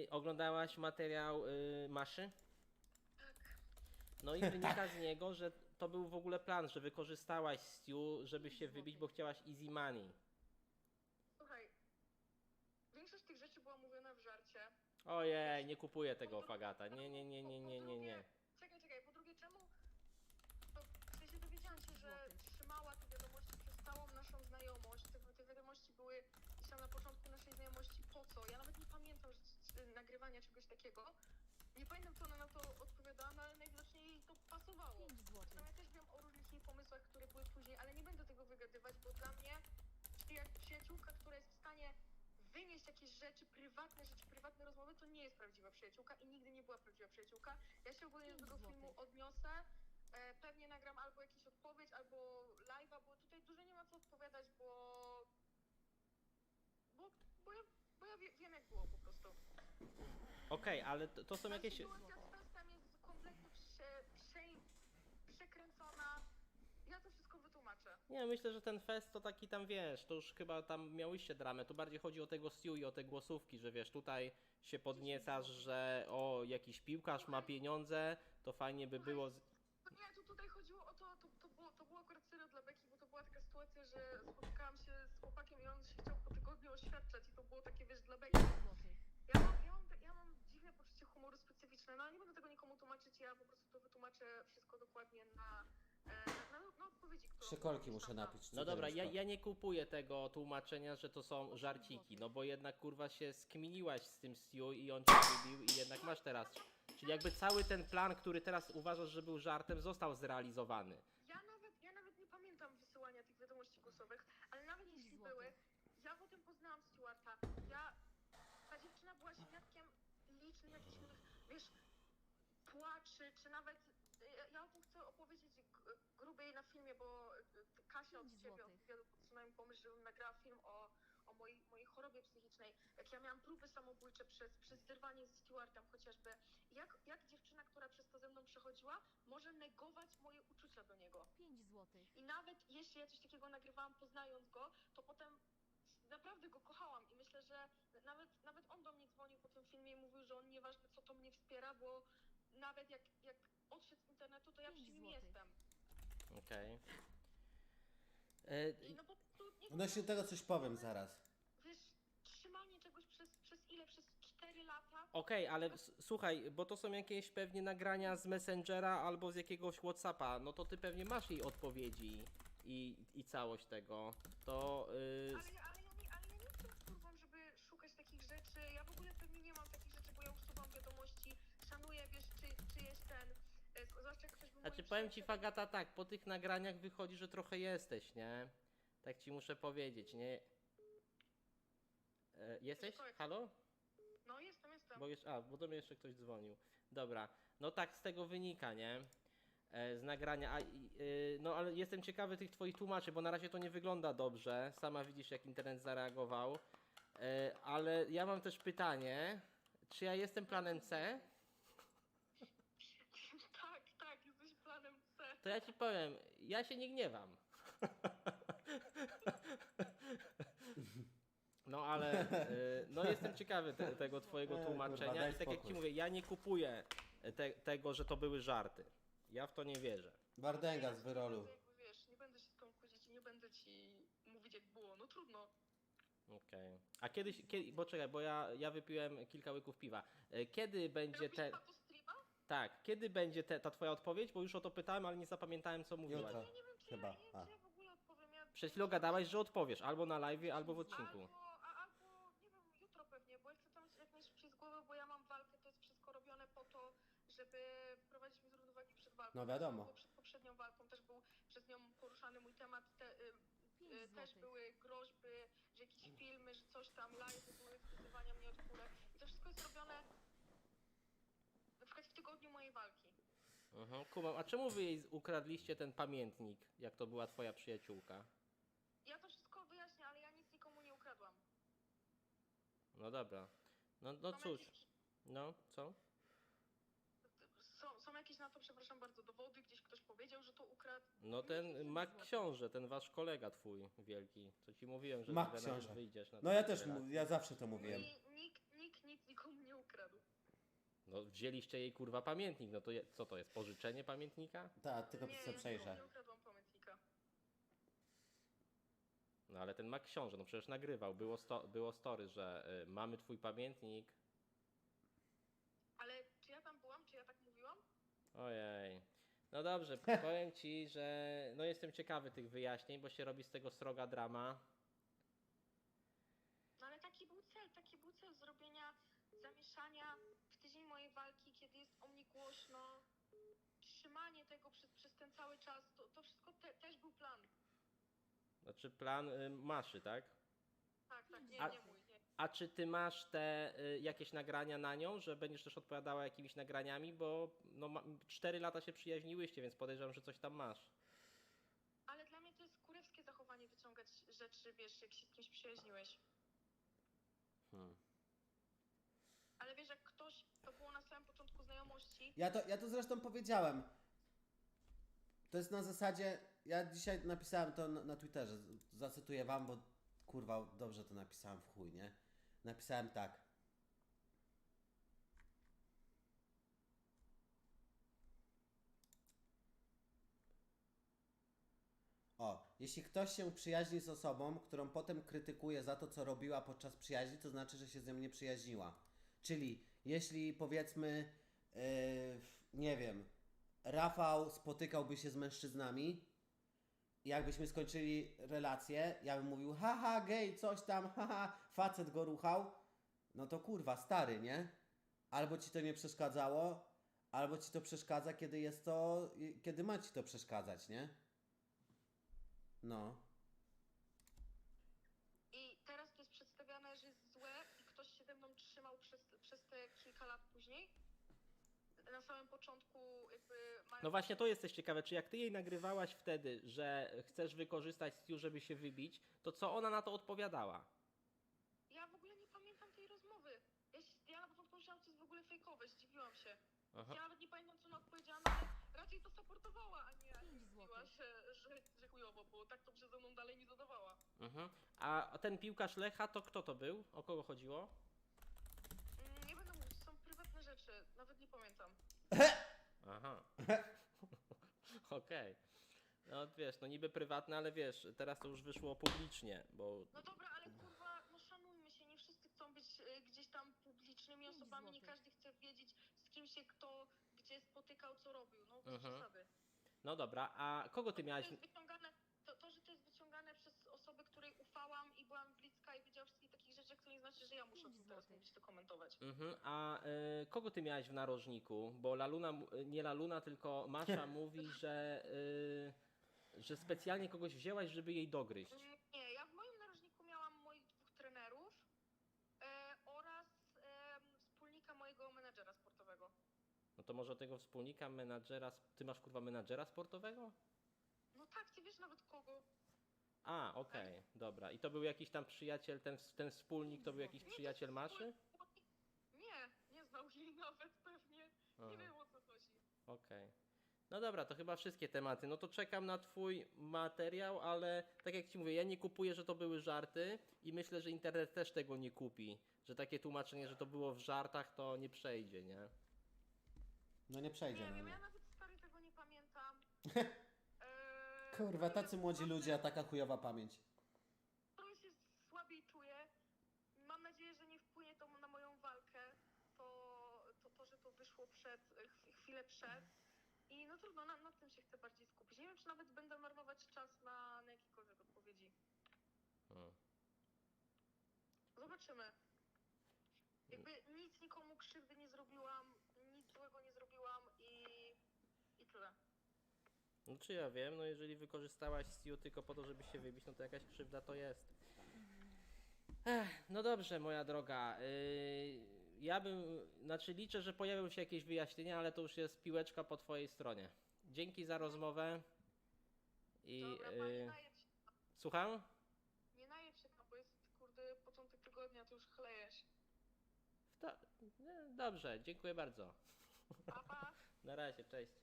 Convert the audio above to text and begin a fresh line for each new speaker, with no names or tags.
oglądałaś materiał Maszy?
Tak.
No i wynika z niego, że to był w ogóle plan, że wykorzystałaś Stu, żeby się wybić, bo chciałaś easy money.
Słuchaj, większość tych rzeczy była mówiona w żarcie.
Ojej, nie kupuję tego Fagata. Nie.
Czekaj, po drugie czemu? To w sensie dowiedziałam się, że trzymała te wiadomości przez całą naszą znajomość. Te wiadomości były gdzieś tam na początku naszej znajomości. Po co? Ja nawet nie pamiętam nagrywania czegoś takiego. Nie pamiętam, co ona na to odpowiadała, no ale najwidoczniej jej to pasowało. Zresztą ja też wiem o różnych jej pomysłach, które były później, ale nie będę tego wygadywać, bo dla mnie przyjaciółka, która jest w stanie wynieść jakieś rzeczy, prywatne rozmowy, to nie jest prawdziwa przyjaciółka i nigdy nie była prawdziwa przyjaciółka. Ja się ogólnie do tego filmu odniosę. Pewnie nagram albo jakąś odpowiedź, albo live'a, bo tutaj dużo nie ma co odpowiadać, bo ja wiem jak było po prostu.
Okej, ale to są jakieś...
Sytuacja z Festem jest kompletnie przekręcona. Ja to wszystko wytłumaczę.
Nie, myślę, że ten fest to taki tam, wiesz, to już chyba tam miałyście dramę, tu bardziej chodzi o tego Stu i o te głosówki, że wiesz, tutaj się podniecasz, że o, jakiś piłkarz ma pieniądze, to fajnie by było...
Nie, tutaj chodziło o to było akurat serio dla Beki, bo to była taka sytuacja, że spotykałam się z chłopakiem i on się chciał po tygodniu oświadczać i to było takie, wiesz, dla Beki. Ja mam dziwne poczucie humoru specyficzne, no ale nie będę tego nikomu tłumaczyć, ja po prostu to wytłumaczę wszystko dokładnie na odpowiedzi, którą...
Szykolki muszę napić.
No dobra, ja nie kupuję tego tłumaczenia, że to są żarciki, no bo jednak kurwa się skminiłaś z tym Stu i on cię lubił i jednak masz teraz... Czyli jakby cały ten plan, który teraz uważasz, że był żartem, został zrealizowany.
Ja nawet nie pamiętam wysyłania tych wiadomości głosowych, ale nawet jeśli były, ja potem poznałam Stuarta. Ta dziewczyna była świadkiem licznych jakichś moich, wiesz, płaczy, czy nawet, ja o tym chcę opowiedzieć grubiej na filmie, bo Kasia od ciebie, od wywiadu podsunęła mi pomysł, żebym nagrała film o mojej chorobie psychicznej, jak ja miałam próby samobójcze przez wyrwanie ze Stuartem chociażby. Jak dziewczyna, która przez to ze mną przechodziła, może negować moje uczucia do niego.
5 złotych.
I nawet jeśli ja coś takiego nagrywałam poznając go, to potem naprawdę go kochałam i myślę, że nawet on do mnie dzwonił po tym filmie i mówił, że on nieważne co to mnie wspiera, bo nawet jak odszedł z internetu, to ja przy nim jestem.
Okej.
I no bo tu nie
Odnośnie tego coś powiem zaraz.
wiesz, trzymanie czegoś przez ile? Przez 4 lata?
Okej, ale słuchaj, bo to są jakieś pewnie nagrania z Messengera albo z jakiegoś Whatsappa, no to ty pewnie masz jej odpowiedzi i całość tego. To...
Ale ja nie jestem kurwą, żeby szukać takich rzeczy. Ja w ogóle pewnie nie mam takich rzeczy, bo ja usuwam wiadomości, szanuję, wiesz, czy jest ten... Zwłaszcza jak ktoś był
Znaczy
moim
powiem ci
przyjacielem.
Fagata tak, po tych nagraniach wychodzi, że trochę jesteś, nie? Tak ci muszę powiedzieć, nie? Jesteś? Halo?
No jestem.
Bo do mnie jeszcze ktoś dzwonił. Dobra, no tak z tego wynika, nie? Z nagrania, no ale jestem ciekawy tych twoich tłumaczy, bo na razie to nie wygląda dobrze. Sama widzisz jak internet zareagował. Ale ja mam też pytanie, czy ja jestem planem C?
Tak, jesteś planem C.
To ja ci powiem, ja się nie gniewam. No ale no jestem ciekawy tego twojego tłumaczenia
kurwa, daj
i tak jak
spokój.
ci mówię, ja nie kupuję tego, że to były żarty. Ja w to nie wierzę.
Wardęga z wyrolu.
Jakby wiesz, nie będę się z tą kłócić i nie będę ci mówić jak było, no trudno.
Okej. A bo czekaj, bo ja wypiłem kilka łyków piwa. Kiedy będzie
Robisz
te...
to streama?
Tak, kiedy będzie ta twoja odpowiedź? Bo już o to pytałem, ale nie zapamiętałem co mówiłaś.
Jutro.
Ja nie wiem, czy
Chyba,
ja, nie wiem,
a.
czy ja w ogóle odpowiem.
Przed chwilą gadałaś, że odpowiesz, albo na live, albo w odcinku.
Albo, nie wiem, jutro pewnie, bo ja chcę tam jak najszybciej z głowy, bo ja mam walkę, to jest wszystko robione po to, żeby wprowadzić mnie z równowagi przed walką.
No wiadomo.
To było przed poprzednią walką też był przez nią poruszany mój temat, też
złotych.
były groźby, że jakieś filmy, że coś tam, live były wpisywania mnie od kulek. I to wszystko jest robione na przykład w tygodniu mojej walki.
Kumam, a czemu wy jej ukradliście ten pamiętnik, jak to była twoja przyjaciółka?
Ja to wszystko wyjaśnię, ale ja nic nikomu nie ukradłam.
No dobra. No
Są
cóż.
jakieś-
No, co?
Są jakieś na to, przepraszam bardzo, dowody, gdzieś ktoś powiedział, że to ukradł.
No ten Mac Książę, ten wasz kolega twój wielki, co ci mówiłem, że
Mac
ty
Książę.
wyjdziesz na
No
tę
ja też,
relację.
ja zawsze to mówiłem.
Nikt nic nikomu nie ukradł.
No wzięliście jej kurwa pamiętnik, no to co to jest, pożyczenie pamiętnika?
Tak, tylko
Nie,
sobie
ja
przejrzę.
nie ukradłam pamiętnika.
No ale ten ma książę, no przecież nagrywał, było story, że mamy twój pamiętnik.
Ale czy ja tam byłam? Czy ja tak mówiłam?
Ojej. No dobrze, powiem ci, że no jestem ciekawy tych wyjaśnień, bo się robi z tego sroga drama.
No ale taki był cel zrobienia zamieszania w tydzień mojej walki, kiedy jest o mnie głośno, trzymanie tego przez ten cały czas, to wszystko też był plan.
Znaczy plan Maszy, tak?
Tak, nie,
A-
nie mój, nie.
A czy ty masz te jakieś nagrania na nią, że będziesz też odpowiadała jakimiś nagraniami, bo no 4 lata się przyjaźniłyście, więc podejrzewam, że coś tam masz.
Ale dla mnie to jest kurewskie zachowanie wyciągać rzeczy, wiesz, jak się z kimś przyjaźniłeś.
Hmm.
Ale wiesz, jak ktoś, to było na samym początku znajomości,
Ja to zresztą powiedziałem. To jest na zasadzie, ja dzisiaj napisałem to na Twitterze, zacytuję wam, bo kurwa dobrze to napisałem w chuj, nie? Napisałem tak. Jeśli ktoś się przyjaźni z osobą, którą potem krytykuje za to, co robiła podczas przyjaźni, to znaczy, że się z nią nie przyjaźniła. Czyli jeśli powiedzmy, nie wiem, Rafał spotykałby się z mężczyznami i jakbyśmy skończyli relację, ja bym mówił, haha, gej, coś tam, haha, facet go ruchał, no to kurwa, stary, nie? Albo ci to nie przeszkadzało, albo ci to przeszkadza, kiedy ma ci to przeszkadzać, nie? No.
i teraz to jest przedstawiane, że jest złe i ktoś się ze mną trzymał przez te kilka lat później. Na samym początku jakby
No właśnie to jesteś ciekawe, czy jak ty jej nagrywałaś wtedy, że chcesz wykorzystać Stu, żeby się wybić, to co ona na to odpowiadała?
Ja w ogóle nie pamiętam tej rozmowy. Ja na początku myślałam, że to jest w ogóle fejkowe, zdziwiłam się.
Aha.
Ja nawet nie pamiętam, co ona odpowiedziała, no ale raczej to supportowała, a nie zdziwiła się, że chujowo, bo tak to przeze mną dalej nie zadawała.
Mhm. A ten piłkarz Lecha, to kto to był? O kogo chodziło?
Nie będę mówić, są prywatne rzeczy, nawet nie pamiętam.
Aha. Okej. No wiesz, no niby prywatne, ale wiesz, teraz to już wyszło publicznie, bo...
No dobra, ale kurwa, no szanujmy się, nie wszyscy chcą być gdzieś tam publicznymi osobami, nie każdy chce wiedzieć, z kim się kto, gdzie spotykał, co robił, no bez przesady.
No dobra, a kogo ty
To
miałaś...
jest wyciągane, że to jest wyciągane przez osobę, której ufałam i byłam bliska i wiedziała wszystkich takich rzeczy, to nie znaczy, że ja muszę o tym teraz mówić, to komentować.
Mhm. A kogo ty miałaś w narożniku? Bo nie Laluna, tylko Masza mówi, że specjalnie kogoś wzięłaś, żeby jej dogryźć.
Nie, ja w moim narożniku miałam moich 2 trenerów oraz wspólnika mojego menedżera sportowego.
No to może tego wspólnika, menadżera... Ty masz kurwa menadżera sportowego?
No tak, ty wiesz nawet kogo.
A, okej, dobra. I to był jakiś tam przyjaciel, ten wspólnik to był jakiś
Nie,
przyjaciel
to
Maszy?
nie znał jej nawet pewnie.
Aha.
Nie wiem, o co chodzi.
Okej. No dobra, to chyba wszystkie tematy. No to czekam na twój materiał, ale tak jak ci mówię, ja nie kupuję, że to były żarty i myślę, że internet też tego nie kupi. Że takie tłumaczenie, że to było w żartach, to nie przejdzie, nie?
No nie przejdzie,
Nie
no
wiem,
nie.
ja nawet stary tego nie pamiętam.
Kurwa, tacy młodzi ludzie, a taka chujowa pamięć.
To się słabiej czuję. Mam nadzieję, że nie wpłynie to na moją walkę. To że to wyszło chwilę przed. I no trudno, na tym się chcę bardziej skupić. Nie wiem, czy nawet będę marnować czas na jakiekolwiek odpowiedzi.
Hmm.
Zobaczymy. Jakby nic nikomu krzywdy nie zrobiłam, nic złego nie zrobiłam i tyle.
No czy ja wiem, no jeżeli wykorzystałaś Stu tylko po to, żeby się wybić, no to jakaś krzywda to jest. No dobrze, moja droga. Ja znaczy liczę, że pojawią się jakieś wyjaśnienia, ale to już jest piłeczka po twojej stronie. Dzięki za rozmowę.
Dobra, nie najedź się,
Słucham?
nie najedź się tam, bo jest kurde początek tygodnia, to już chlejesz.
Dobrze, dziękuję bardzo.
Pa, pa.
Na razie, cześć.